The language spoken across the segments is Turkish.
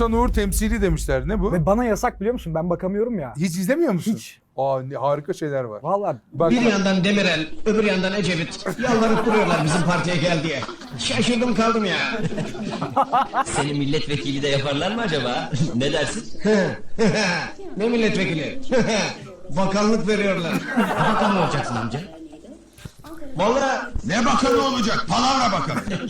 Oğuzhan Uğur temsili demişler. Ne bu? Ve bana yasak biliyor musun? Ben bakamıyorum ya. Hiç izlemiyor musun? Hiç. Harika şeyler var. Vallahi Bak, Bir yandan Demirel, öbür yandan Ecevit. Yalvarıp duruyorlar bizim partiye gel diye. Şaşırdım kaldım ya. Seni milletvekili de yaparlar mı acaba? Ne dersin? Ne milletvekili? Bakanlık veriyorlar. Bakan mı olacaksın amca? Vallahi Ne bakanı olacak? Palavra bakanı.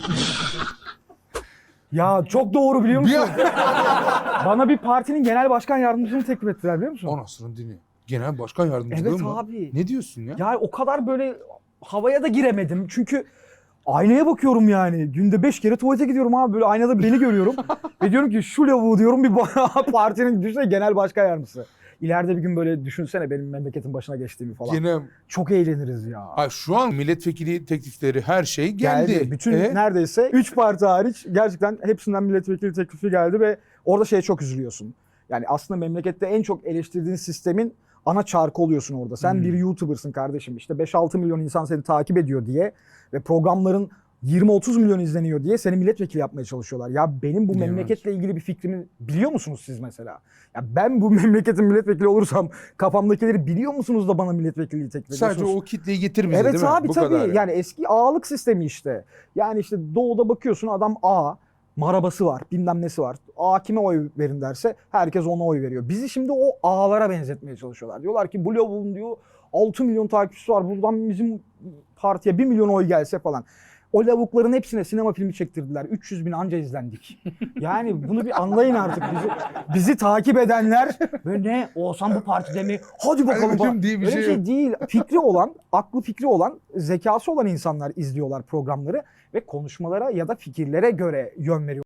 ya çok doğru biliyor musun? Bana bir partinin genel başkan yardımcısını teklif ettiler biliyor musun? Anasının dini. Genel başkan yardımcılığı Evet mı? abi. Ne diyorsun ya? Ya o kadar böyle havaya da giremedim. Çünkü aynaya bakıyorum yani. Günde 5 kere tuvalete gidiyorum abi. Böyle aynada beni görüyorum. Ve diyorum ki şu lavuğu diyorum bir partinin düşünsene genel başkan yardımcısı. İleride bir gün böyle düşünsene benim memleketin başına geçtiğimi falan. Gene Çok eğleniriz ya. şu an milletvekili teklifleri her şey geldi. Bütün E? neredeyse 3 parti hariç gerçekten hepsinden milletvekili teklifi geldi ve orada şeye çok üzülüyorsun. Yani aslında memlekette en çok eleştirdiğin sistemin ana çarkı oluyorsun orada. Sen bir YouTuber'sın kardeşim. İşte 5-6 milyon insan seni takip ediyor diye ve programların 20-30 milyon izleniyor diye seni milletvekili yapmaya çalışıyorlar. Ya benim bu Evet. memleketle ilgili bir fikrimi biliyor musunuz siz mesela? Ya ben bu memleketin milletvekili olursam kafamdakileri biliyor musunuz da bana milletvekilliği teklif ediyorsunuz? Sadece o kitleyi getir bize Evet değil mi? abi Bu tabii. kadar Yani eski ağalık sistemi işte. Yani işte doğuda bakıyorsun adam A, marabası var, bilmem nesi var. A kime oy verin derse herkes ona oy veriyor. Bizi şimdi o ağalara benzetmeye çalışıyorlar. Diyorlar ki bu lavuğun diyor 6 milyon takipçisi var. Buradan bizim partiye 1 milyon oy gelse falan. O lavukların hepsine sinema filmi çektirdiler. 300 bin anca izlendik. Yani bunu bir anlayın artık. Bizi takip edenler ve ne Oğuzhan bu partide mi? Hadi bakalım. Hadi diye bir Öyle şey yok. değil. Fikri olan, aklı fikri olan, zekası olan insanlar izliyorlar programları ve konuşmalara ya da fikirlere göre yön veriyorlar.